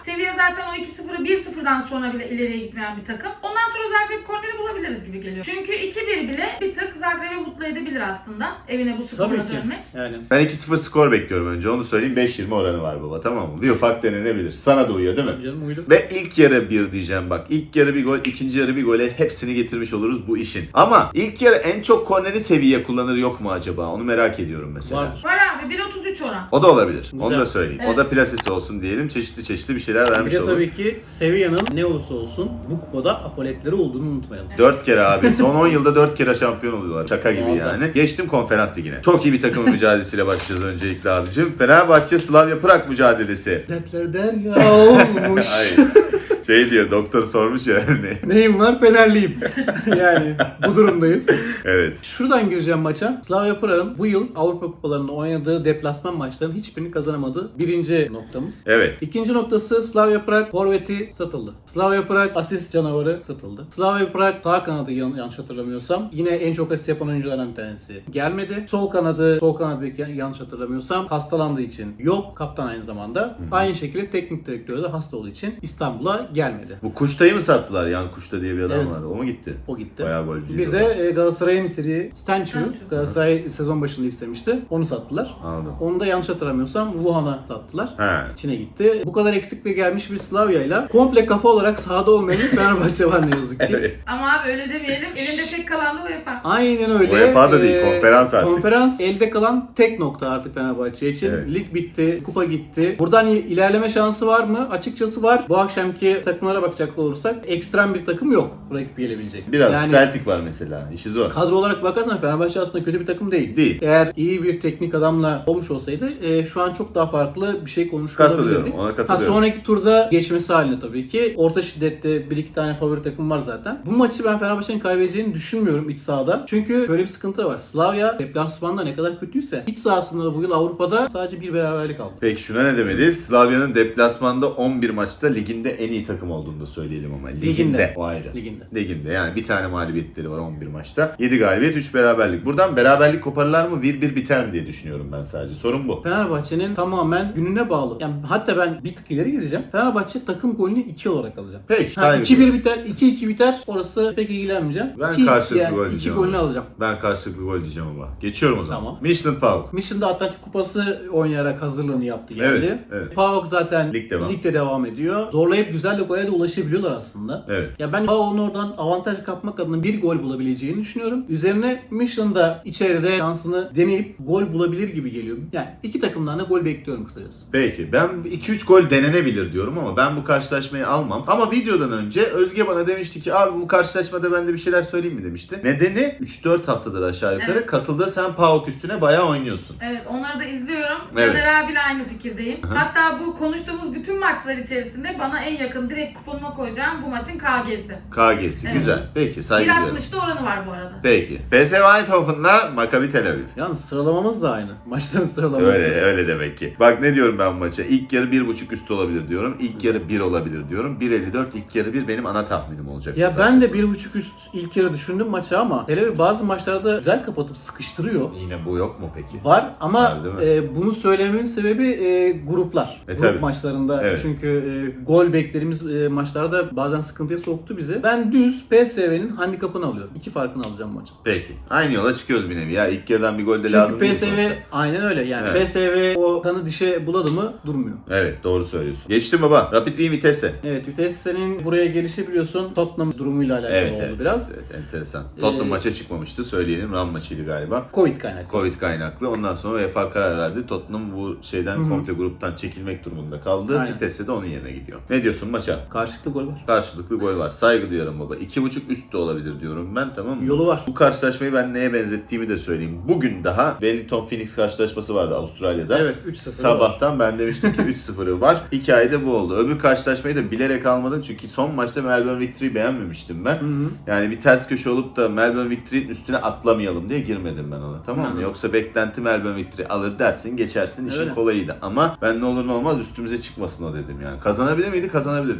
Speaker 3: Sevilla zaten o 2-0'ı 1-0'dan sonra bile ileriye gitmeyen bir takım. Ondan sonra Zagreb korneri bulabiliriz gibi geliyor. Çünkü 2-1 bile bir tık Zagreb'i mutlu edebilir aslında. Evine bu
Speaker 2: Tabii
Speaker 3: skorla
Speaker 2: ki.
Speaker 3: dönmek.
Speaker 2: Yani.
Speaker 1: Ben 2-0 skor bekliyorum önce. Onu söyleyeyim. 5-20 oranı var baba, tamam mı? Bir ufak denenebilir. Sana da uyuyor değil mi?
Speaker 2: Tabii canım uydu.
Speaker 1: Ve ilk yarı 1 diyeceğim bak. İlk yarı bir gol, ikinci yarı bir gole hepsini getirmiş oluruz bu işin. Ama ilk yarı en çok korneri Sevilla kullanır yok mu acaba? Onu merak ediyorum mesela.
Speaker 2: Var.
Speaker 3: Var abi 1.33 oran.
Speaker 1: O da olabilir.
Speaker 2: Güzel.
Speaker 1: Onu da söyleyeyim.
Speaker 3: Evet.
Speaker 1: O da plasesi olsun diyelim. Çeşitli bir şeyler
Speaker 2: Bir
Speaker 1: vermiş
Speaker 2: de
Speaker 1: olur.
Speaker 2: tabii ki Sevilla'nın ne olursa olsun bu kupada apoletleri olduğunu unutmayalım.
Speaker 1: 4 kere abi. Son 10 yılda 4 kere şampiyon oluyorlar. Şaka gibi
Speaker 2: Muazzam.
Speaker 1: yani. Geçtim konferans ligine. Çok iyi bir takımın mücadelesiyle başlayacağız öncelikle abicim. Fenerbahçe Slavia Prag mücadelesi.
Speaker 2: Dertler derya olmuş.
Speaker 1: Hayır. Şey diyor, doktor sormuş ya.
Speaker 2: Neyim var? Fenerliyim. Yani bu durumdayız.
Speaker 1: Evet.
Speaker 2: Şuradan gireceğim maça. Slavia Prag'ın bu yıl Avrupa Kupalarında oynadığı deplasman maçlarının hiçbirini kazanamadığı birinci noktamız.
Speaker 1: Evet.
Speaker 2: İkinci noktası Slavia Prag forveti satıldı. Slavia Prag asist canavarı satıldı. Slavia Prag sağ kanadı yanlış hatırlamıyorsam yine en çok asist yapan oyunculardan bir tanesi gelmedi. Sol kanat beki yanlış hatırlamıyorsam hastalandığı için yok. Kaptan aynı zamanda. Aynı şekilde teknik direktörü de hasta olduğu için İstanbul'a gelmedi.
Speaker 1: Bu Kuşta'yı mı sattılar? Yan Kuşta diye bir adam
Speaker 2: Evet.
Speaker 1: vardı. O mu gitti?
Speaker 2: O gitti.
Speaker 1: Bayağı golcüydü.
Speaker 2: Bir
Speaker 1: o.
Speaker 2: de Galatasaray'ın istediği Stenchu.
Speaker 3: Stenchu.
Speaker 2: Galatasaray sezon başında istemişti. Onu sattılar.
Speaker 1: Anladım.
Speaker 2: Onu da yanlış hatırlamıyorsam Wuhan'a sattılar.
Speaker 1: He.
Speaker 2: İçine gitti. Bu kadar eksikle gelmiş bir Slavya'yla komple kafa olarak sahada olmayan bir Fenerbahçe var ne yazık ki.
Speaker 1: Evet.
Speaker 3: Ama abi öyle demeyelim. Elinde tek kalan da UEFA.
Speaker 2: Aynen öyle.
Speaker 1: UEFA da değil, konferans artık.
Speaker 2: Konferans elde kalan tek nokta artık Fenerbahçe için.
Speaker 1: Evet.
Speaker 2: Lig bitti, kupa gitti. Buradan ilerleme şansı var mı? Açıkçası var. Bu akşamki takımlara bakacak olursak ekstrem bir takım yok rakip gelebilecek.
Speaker 1: Biraz
Speaker 2: yani,
Speaker 1: Celtic var mesela. İşi zor.
Speaker 2: kadro olarak bakarsan Fenerbahçe aslında kötü bir takım değil.
Speaker 1: Değil.
Speaker 2: Eğer iyi bir teknik adamla olmuş olsaydı şu an çok daha farklı bir şey konuşuyor
Speaker 1: Katılıyorum.
Speaker 2: olabilirdik.
Speaker 1: Ona katılıyorum.
Speaker 2: Sonraki turda geçmesi halinde tabii ki. Orta şiddette bir iki tane favori takım var zaten. Bu maçı ben Fenerbahçe'nin kaybedeceğini düşünmüyorum iç sahada. Çünkü böyle bir sıkıntı var. Slavia deplasmanda ne kadar kötüyse iç sahasında da bu yıl Avrupa'da sadece bir beraberlik aldı.
Speaker 1: Peki şuna ne demeliyiz? Slavya'nın deplasmanda 11 maçta liginde en iyi takım olduğunu da söyleyelim ama. Liginde. O ayrı. Liginde. Yani bir tane mağlubiyetleri var 11 maçta. 7 galibiyet, 3 beraberlik. Buradan beraberlik koparırlar mı? 1-1 biter mi diye düşünüyorum ben sadece. Sorun bu.
Speaker 2: Fenerbahçe'nin tamamen gününe bağlı. Yani hatta ben bir tık ileri gideceğim. Fenerbahçe takım golünü 2 olarak alacağım.
Speaker 1: Peki.
Speaker 2: Ha,
Speaker 1: saygı
Speaker 2: 2-1 biter, 2-2 biter. Orası pek ilgilenmeyeceğim.
Speaker 1: Ben karşılıklı gol
Speaker 2: 2
Speaker 1: diyeceğim
Speaker 2: golünü
Speaker 1: ama.
Speaker 2: alacağım.
Speaker 1: Ben karşılıklı gol diyeceğim ama. Geçiyorum o zaman.
Speaker 2: Tamam.
Speaker 1: Michelin PAOK.
Speaker 2: Michigan'da Atlantik Kupası oynayarak hazırlığını yaptı geldi.
Speaker 1: Evet, evet.
Speaker 2: PAOK zaten
Speaker 1: Lig devam.
Speaker 2: ligde devam ediyor. Zorlayıp güzel de gole de ulaşabiliyorlar aslında.
Speaker 1: Evet.
Speaker 2: Ya ben PAOK'un oradan avantaj kapmak adına bir gol bulabileceğini düşünüyorum. Üzerine Michigan'da içeride şansını deneyip gol bulabilir gibi geliyor. Yani iki takımdan da gol bekliyorum kısacası.
Speaker 1: Peki. Ben 2-3 gol denenebilir diyorum ama ben bu karşılaşmayı almam. Ama videodan önce Özge bana demişti ki abi bu karşılaşmada ben de bir şeyler söyleyeyim mi demişti. Nedeni 3-4 haftadır aşağı yukarı
Speaker 3: Evet.
Speaker 1: katıldı. Sen PAOK üstüne bayağı oynuyorsun.
Speaker 3: Evet onları da izliyorum.
Speaker 1: Evet.
Speaker 3: Caner abiyle aynı fikirdeyim.
Speaker 1: Hı.
Speaker 3: Hatta bu konuştuğumuz bütün maçlar içerisinde bana en yakın direkt kuponuma koyacağım bu maçın KG'si.
Speaker 1: KG'si.
Speaker 3: Evet.
Speaker 1: Güzel. Peki. Saygı duyuyorum.
Speaker 3: 1.60'da oranı var bu arada.
Speaker 1: Peki. PSV Eindhoven'la Maccabi Tel Aviv.
Speaker 2: Yalnız sıralamamız da aynı. Maçların sıralaması.
Speaker 1: Öyle demek ki. Bak ne diyorum ben bu maça. İlk yarı 1.5 üst olabilir diyorum. İlk yarı 1 olabilir diyorum. 1.54 ilk yarı 1 benim ana tahminim olacak.
Speaker 2: Ya
Speaker 1: bu
Speaker 2: ben de
Speaker 1: karşılaşma.
Speaker 2: 1.5 üst ilk yarı düşündüm maçı ama Tel Aviv bazı maçlarda güzel kapatıp sıkıştırıyor.
Speaker 1: Yine bu yok mu peki?
Speaker 2: Var ama
Speaker 1: Var, değil mi?
Speaker 2: bunu söylememin sebebi gruplar. Grup
Speaker 1: tabii.
Speaker 2: maçlarında
Speaker 1: Evet.
Speaker 2: çünkü gol beklerimiz maçlarda bazen sıkıntıya soktu bizi. Ben düz PSV'nin handikapını alıyorum. 2 farkını alacağım maçın.
Speaker 1: Peki. Aynı yola çıkıyoruz bir nevi ya. İlk yarıdan bir gol de
Speaker 2: Çünkü
Speaker 1: lazım değil
Speaker 2: PSV
Speaker 1: sonuçta.
Speaker 2: aynen öyle yani
Speaker 1: Evet.
Speaker 2: PSV o kanı dişe buladı mı durmuyor.
Speaker 1: Evet doğru söylüyorsun. Geçtim baba. Rapid Wien Vitesse.
Speaker 2: Evet Vitesse'nin buraya gelişi biliyorsun Tottenham durumuyla alakalı oldu biraz.
Speaker 1: Evet enteresan. Tottenham maça çıkmamıştı söyleyelim. Ram maçıydı galiba.
Speaker 2: Covid kaynaklı.
Speaker 1: Covid kaynaklı. Ondan sonra UEFA karar verdi. Tottenham bu şeyden
Speaker 2: Hı hı.
Speaker 1: komple gruptan çekilmek durumunda kaldı.
Speaker 2: Aynen.
Speaker 1: Vitesse de onun yerine gidiyor. Ne diyorsun maça?
Speaker 2: Karşılıklı gol var.
Speaker 1: Karşılıklı gol var. Saygı duyuyorum baba. 2.5 üst de olabilir diyorum ben, tamam mı?
Speaker 2: Yolu var.
Speaker 1: Bu karşılaşmayı ben neye benzettiğimi de söyleyeyim. Bugün daha Wellington Phoenix karşılaşması vardı Avustralya'da.
Speaker 2: Evet 3-0
Speaker 1: Sabahtan ben demiştim ki 3-0'ı var. Hikayede bu oldu. Öbür karşılaşmayı da bilerek almadım çünkü son maçta Melbourne Victory'yi beğenmemiştim ben.
Speaker 2: Hı hı.
Speaker 1: Yani bir ters köşe olup da Melbourne Victory'nin üstüne atlamayalım diye girmedim ben ona, tamam mı?
Speaker 2: Hı.
Speaker 1: Yoksa beklenti Melbourne Victory alır dersin geçersin, işin
Speaker 2: Öyle.
Speaker 1: kolayıydı. Ama ben ne olur ne olmaz üstümüze çıkmasın o dedim yani. Kazanabilir miydi? Kazanabilirdi.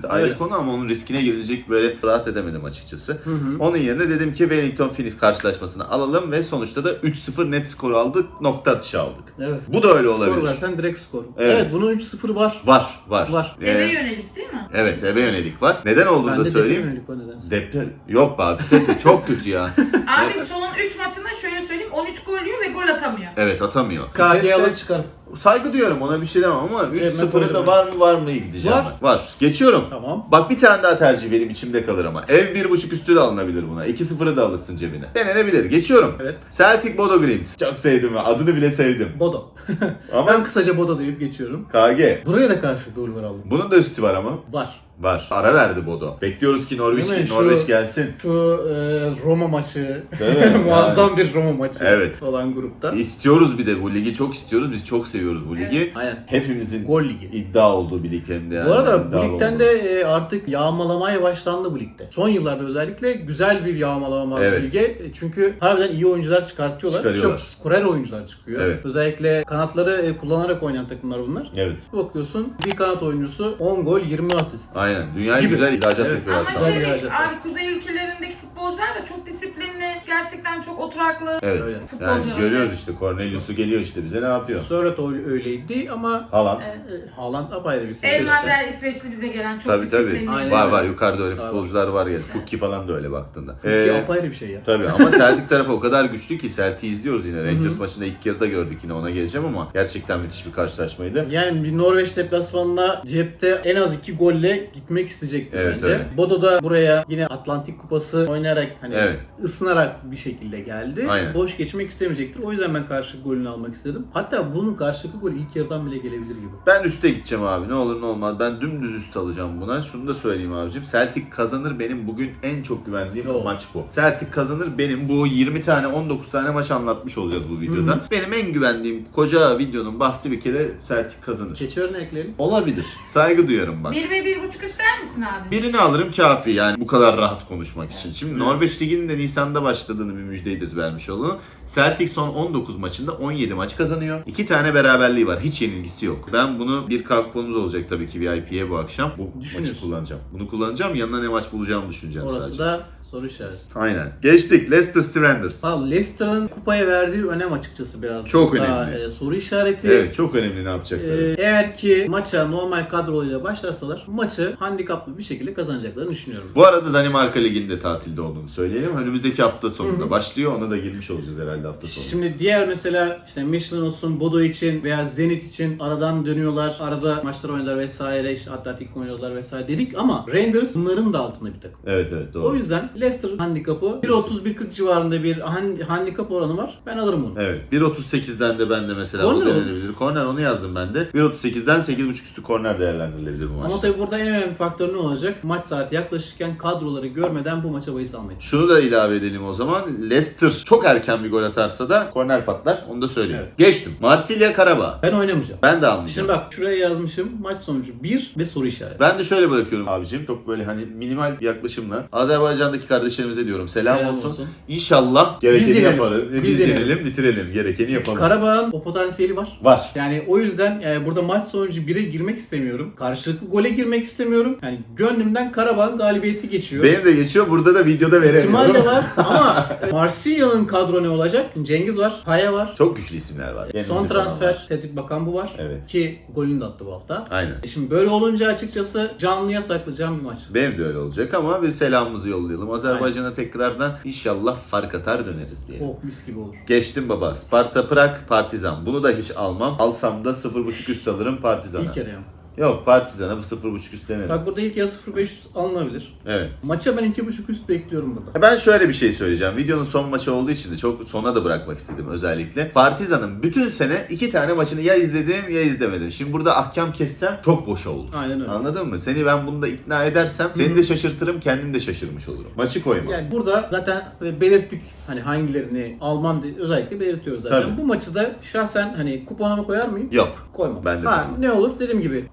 Speaker 1: ayrı
Speaker 2: Öyle.
Speaker 1: konu ama onun riskine girilecek böyle rahat edemedim açıkçası.
Speaker 2: Hı hı.
Speaker 1: Onun yerine dedim ki Wellington Phoenix karşılaşmasını alalım ve sonuçta da 3-0 net skoru aldık, nokta atışı aldık.
Speaker 2: Evet.
Speaker 1: Bu da öyle
Speaker 2: Skor
Speaker 1: olabilir.
Speaker 2: versen direkt skor.
Speaker 1: Evet.
Speaker 2: Evet, bunun 3-0 var.
Speaker 1: Var.
Speaker 3: Eve yönelik değil mi?
Speaker 1: Evet, eve yönelik var. Neden olduğunu da
Speaker 2: Bende
Speaker 1: söyleyeyim.
Speaker 2: yönelik var nedense.
Speaker 1: Deprem. Yok be abi, vitesi çok kötü ya.
Speaker 3: Abi son 3 maçında şöyle söyleyeyim 13 gol yiyor ve gol atamıyor.
Speaker 1: Evet, atamıyor.
Speaker 2: KG
Speaker 1: Vitesse-
Speaker 2: alır çıkar.
Speaker 1: Saygı duyuyorum, ona bir şey demem ama
Speaker 2: Cebime
Speaker 1: 3-0'ı
Speaker 2: koydum
Speaker 1: da
Speaker 2: ben.
Speaker 1: var mı gideceğim
Speaker 2: Var.
Speaker 1: ben. Var. Geçiyorum.
Speaker 2: Tamam.
Speaker 1: Bak bir tane daha tercih benim içimde kalır ama. Ev 1.5 üstü de alınabilir buna. 2-0'ı da alırsın cebine. Denenebilir. Geçiyorum.
Speaker 2: Evet.
Speaker 1: Celtic Bodo Glimt. Çok sevdim ya. Adını bile sevdim.
Speaker 2: Bodo.
Speaker 1: Ama
Speaker 2: Ben kısaca Bodo deyip geçiyorum.
Speaker 1: KG.
Speaker 2: Buraya da karşı gol var aldım.
Speaker 1: Bunun da üstü var ama.
Speaker 2: Var.
Speaker 1: Var. Ara verdi Bodo. Bekliyoruz ki
Speaker 2: Değil mi? Şu-
Speaker 1: Norveç gelsin.
Speaker 2: Şu Roma maçı,
Speaker 1: Değil mi?
Speaker 2: muazzam bir Roma maçı
Speaker 1: Evet.
Speaker 2: olan grupta.
Speaker 1: İstiyoruz bir de bu ligi, çok istiyoruz. Biz çok seviyoruz bu ligi.
Speaker 2: Aynen.
Speaker 1: Hepimizin
Speaker 2: Gol ligi.
Speaker 1: iddia olduğu bir lig hem de yani.
Speaker 2: Bu arada bu
Speaker 1: İddialı
Speaker 2: ligden
Speaker 1: olduğu.
Speaker 2: de artık yağmalamaya başlandı bu ligde. Son yıllarda özellikle güzel bir yağmalama var
Speaker 1: Evet.
Speaker 2: bu lige. Çünkü harbiden iyi oyuncular çıkartıyorlar. Çok skorer oyuncular çıkıyor.
Speaker 1: Evet.
Speaker 2: Özellikle kanatları kullanarak oynayan takımlar bunlar.
Speaker 1: Evet.
Speaker 2: Bir bakıyorsun bir kanat oyuncusu 10 gol 20 asist.
Speaker 1: Aynen. Dünyaya
Speaker 2: Gibi.
Speaker 1: güzel ihracat
Speaker 2: Evet.
Speaker 1: yapıyorlar
Speaker 3: Ama
Speaker 1: şu an.
Speaker 2: Güzel bir hareket var.
Speaker 3: abi kuzey ülkelerindeki futbolcular da çok disiplinli, gerçekten çok oturaklı.
Speaker 1: Evet.
Speaker 2: Öyle.
Speaker 1: Yani
Speaker 3: Futbolcular.
Speaker 1: görüyoruz işte, Cornelius'u geliyor işte bize, ne yapıyor?
Speaker 2: Sörloth öyleydi ama
Speaker 1: Haaland.
Speaker 3: Evet.
Speaker 2: Haaland apayrı bir seviye.
Speaker 3: Elmander İsveçli bize gelen çok
Speaker 1: Tabii tabii.
Speaker 3: disiplinli.
Speaker 2: Aynen
Speaker 1: Var
Speaker 2: öyle.
Speaker 1: var, yukarıda öyle
Speaker 2: Var.
Speaker 1: futbolcular var ya. Pukki falan da öyle baktığında.
Speaker 2: Ki apayrı bir şey ya.
Speaker 1: Tabii ama Celtic tarafı o kadar güçlü ki, Celtic'i izliyoruz yine. Rangers
Speaker 2: Hı hı.
Speaker 1: maçında ilk yarıda gördük, yine ona geleceğim ama gerçekten müthiş bir karşılaşmaydı.
Speaker 2: Yani bir Norveç deplasmanına cepte en az 2 golle gitmek isteyecektir
Speaker 1: Evet,
Speaker 2: bence.
Speaker 1: öyle.
Speaker 2: Bodo da buraya yine Atlantik Kupası oynayarak hani
Speaker 1: Evet.
Speaker 2: ısınarak bir şekilde geldi.
Speaker 1: Aynen.
Speaker 2: Boş geçmek istemeyecektir. O yüzden ben karşı golünü almak istedim. Hatta bunun karşılıklı golü ilk yarıdan bile gelebilir gibi.
Speaker 1: Ben üste gideceğim abi, ne olur ne olmaz. Ben dümdüz üst alacağım buna. Şunu da söyleyeyim abicim. Celtic kazanır, benim bugün en çok güvendiğim
Speaker 2: Doğru.
Speaker 1: maç bu. Celtic kazanır, benim bu 20 tane 19 tane maç anlatmış olacağız bu videoda.
Speaker 2: Hı hı.
Speaker 1: Benim en güvendiğim koca videonun bahsi bir kere Celtic kazanır.
Speaker 2: Keçi örneklerini.
Speaker 1: Olabilir. Saygı duyarım bak.
Speaker 3: 1 ve 1.5 ister misin abi?
Speaker 1: Birini alırım kafi yani bu kadar rahat konuşmak için. Şimdi
Speaker 2: Evet.
Speaker 1: Norveç Ligi'nin de Nisan'da başladığını bir müjdeyi de vermiş olalım. Celtic son 19 maçında 17 maç kazanıyor. 2 tane beraberliği var. Hiç yenilgisi yok. Ben bunu bir kuponumuz olacak tabii ki VIP'ye bu akşam. Bu maçı
Speaker 2: Düşünüyorsun.
Speaker 1: kullanacağım. Bunu kullanacağım. Yanına ne maç bulacağımı düşüneceğim
Speaker 2: Orası
Speaker 1: sadece.
Speaker 2: da soru işareti.
Speaker 1: Aynen. Geçtik. Leicester Stranders.
Speaker 2: Abi Leicester'ın kupaya verdiği önem açıkçası biraz
Speaker 1: Çok
Speaker 2: daha,
Speaker 1: önemli.
Speaker 2: soru işareti.
Speaker 1: Evet, çok önemli ne yapacakları.
Speaker 2: Eğer ki maça normal kadroyla başlarsalar maçı handikaplı bir şekilde kazanacaklarını düşünüyorum.
Speaker 1: Bu arada Danimarka Ligi'nde tatilde olduğunu söyleyelim. Önümüzdeki hafta sonunda
Speaker 2: Hı hı.
Speaker 1: başlıyor. Ona da girmiş olacağız herhalde hafta sonu.
Speaker 2: Şimdi diğer mesela işte Michelin olsun, Bodo için veya Zenit için aradan dönüyorlar. Arada maçlar oynuyorlar vesaire. İşte Atletik oynuyorlar vesaire dedik ama Rangers bunların da altında bir takım.
Speaker 1: Evet evet, doğru.
Speaker 2: O yüzden Leicester handikapı 1.30-1.40 civarında bir handikap oranı var. Ben alırım onu.
Speaker 1: Evet. 1.38'den de ben de mesela
Speaker 2: Korner
Speaker 1: o
Speaker 2: olur.
Speaker 1: denenebilir. Korner, onu yazdım ben de. 1.38'den 8.5 üstü korner değerlendirilebilir bu
Speaker 2: Ama
Speaker 1: maçta.
Speaker 2: tabii burada en önemli faktör ne olacak? Maç saati yaklaşırken kadroları görmeden bu maça bahis almayın.
Speaker 1: Şunu da ilave edelim o zaman. Leicester çok erken bir gol atarsa da korner patlar. Onu da söyleyeyim.
Speaker 2: Evet.
Speaker 1: Geçtim. Marsilya Karabağ.
Speaker 2: Ben oynamayacağım.
Speaker 1: Ben de almayacağım.
Speaker 2: Şimdi bak şuraya yazmışım maç sonucu 1 ve soru işareti.
Speaker 1: Ben de şöyle bırakıyorum abicim. Çok böyle hani minimal bir yaklaşımla. Azerbaycan'daki kardeşlerimize diyorum selam olsun. İnşallah gerekeni
Speaker 2: Biz yenelim.
Speaker 1: yaparız. Biz
Speaker 2: Biz
Speaker 1: yenelim,
Speaker 2: yenelim.
Speaker 1: bitirelim. Gerekeni yapalım.
Speaker 2: Karabağ'ın o potansiyeli var.
Speaker 1: Var.
Speaker 2: Yani o yüzden burada maç sonucu 1'e girmek istemiyorum. Karşılıklı gole girmek istemiyorum. Yani gönlümden Karabağ'ın galibiyeti geçiyor.
Speaker 1: Benim de geçiyor. Burada da videoda
Speaker 2: İhtimal
Speaker 1: veremiyorum.
Speaker 2: de var ama Marsilya'nın kadro ne olacak? Cengiz var, Kaya var.
Speaker 1: Çok güçlü isimler var.
Speaker 2: Son
Speaker 1: Yenimizi falan
Speaker 2: transfer
Speaker 1: var.
Speaker 2: Cedric Bakan bu var.
Speaker 1: Evet.
Speaker 2: Ki golünü de attı bu hafta.
Speaker 1: Aynen.
Speaker 2: Şimdi böyle olunca açıkçası canlıya saklayacağım bir maç.
Speaker 1: Benim de öyle olacak ama bir selamımızı yollayalım. Azerbaycan'a tekrardan inşallah fark atar döneriz diye.
Speaker 2: Oh mis gibi olur.
Speaker 1: Geçtim baba. Sparta Prag, Partizan. Bunu da hiç almam. Alsam da 0.5 üst alırım Partizan'a.
Speaker 2: İlk yarı yani.
Speaker 1: Yok, Partizan'a bu 0.5 üst denerim.
Speaker 2: Bak burada ilk yarı 0.5 alınabilir.
Speaker 1: Evet.
Speaker 2: Maça ben 2.5 üst bekliyorum burada.
Speaker 1: Ben şöyle bir şey söyleyeceğim. Videonun son maçı olduğu için de çok sona da bırakmak istedim özellikle. Partizan'ın bütün sene 2 tane maçını ya izledim ya izlemedim. Şimdi burada ahkam kessem çok boşa olur.
Speaker 2: Aynen öyle.
Speaker 1: Anladın mı? Seni ben bunda ikna edersem seni de şaşırtırım, kendim de şaşırmış olurum. Maçı koyma.
Speaker 2: Yani burada zaten belirttik hani hangilerini almam diye özellikle belirtiyoruz zaten.
Speaker 1: Tabii.
Speaker 2: Bu maçı da şahsen hani kuponuma koyar mıyım?
Speaker 1: Yok.
Speaker 2: Koymam.
Speaker 1: Ben de
Speaker 2: ha,
Speaker 1: koymam.
Speaker 2: ne olur dediğim gibi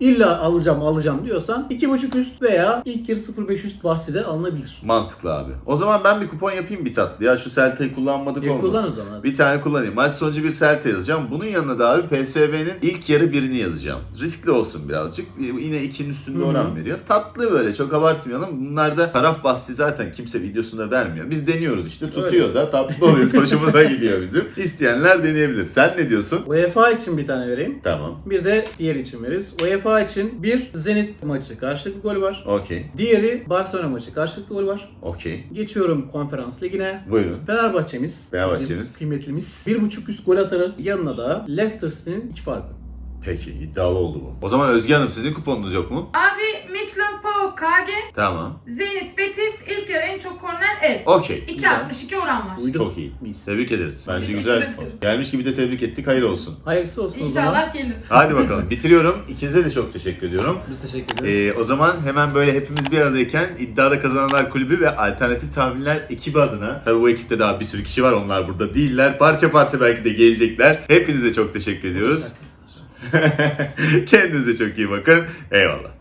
Speaker 2: illa alacağım diyorsan 2.5 üst veya ilk yarı 0.5 üst bahsi de alınabilir.
Speaker 1: Mantıklı abi. O zaman ben bir kupon yapayım bir tatlı. Ya şu Celta'yı kullanmadık olmasın.
Speaker 2: Kullan o zaman.
Speaker 1: Bir tane kullanayım. Maç sonucu bir Celta yazacağım. Bunun yanına da abi PSV'nin ilk yarı birini yazacağım. Riskli olsun birazcık. Yine 2'nin üstünde oran veriyor. Tatlı böyle, çok abartmayalım. Bunlarda taraf bahsi zaten kimse videosunda vermiyor. Biz deniyoruz işte. Tutuyor da tatlı oluyor. Hoşumuza gidiyor bizim. İsteyenler deneyebilir. Sen ne diyorsun?
Speaker 2: UEFA için bir tane vereyim.
Speaker 1: Tamam.
Speaker 2: Bir de diğer için veririz. UEFA için bir Zenit maçı karşılıklı gol var.
Speaker 1: Okey.
Speaker 2: Diğeri Barcelona maçı karşılıklı gol var.
Speaker 1: Okey.
Speaker 2: Geçiyorum Konferans Ligi'ne.
Speaker 1: Buyurun.
Speaker 2: Fenerbahçe'miz,
Speaker 1: Fenerbahçe'miz.
Speaker 2: bizim kıymetlimiz 1.5 üst gol atarı, yanına da Leicester City'nin 2 farkı.
Speaker 1: Peki, iddialı oldu bu. O zaman Özge Hanım, sizin kuponunuz yok mu?
Speaker 3: Abi Midland PAOK KG,
Speaker 1: Tamam.
Speaker 3: Zenit Betis, ilk yarı en çok korner ev.
Speaker 1: Okey.
Speaker 3: 2.62 oran var.
Speaker 2: Uydu.
Speaker 1: Çok iyi.
Speaker 2: Mis.
Speaker 1: Tebrik ederiz. Bence
Speaker 3: Teşekkür
Speaker 1: güzel bir
Speaker 3: ederim.
Speaker 1: kupon. Gelmiş gibi de tebrik ettik. Hayır olsun.
Speaker 2: Hayırlısı olsun o zaman.
Speaker 3: İnşallah gelir.
Speaker 1: Hadi bakalım. Bitiriyorum. İkinize de çok teşekkür ediyorum.
Speaker 2: Biz teşekkür ederiz.
Speaker 1: O zaman hemen böyle hepimiz bir aradayken iddiada kazananlar kulübü ve alternatif tahminler ekibi adına, tabii bu ekipte daha bir sürü kişi var, onlar burada değiller. Parça parça belki de gelecekler. Hepinize çok teşekkür ediyoruz. Kendinize çok iyi bakın. Eyvallah.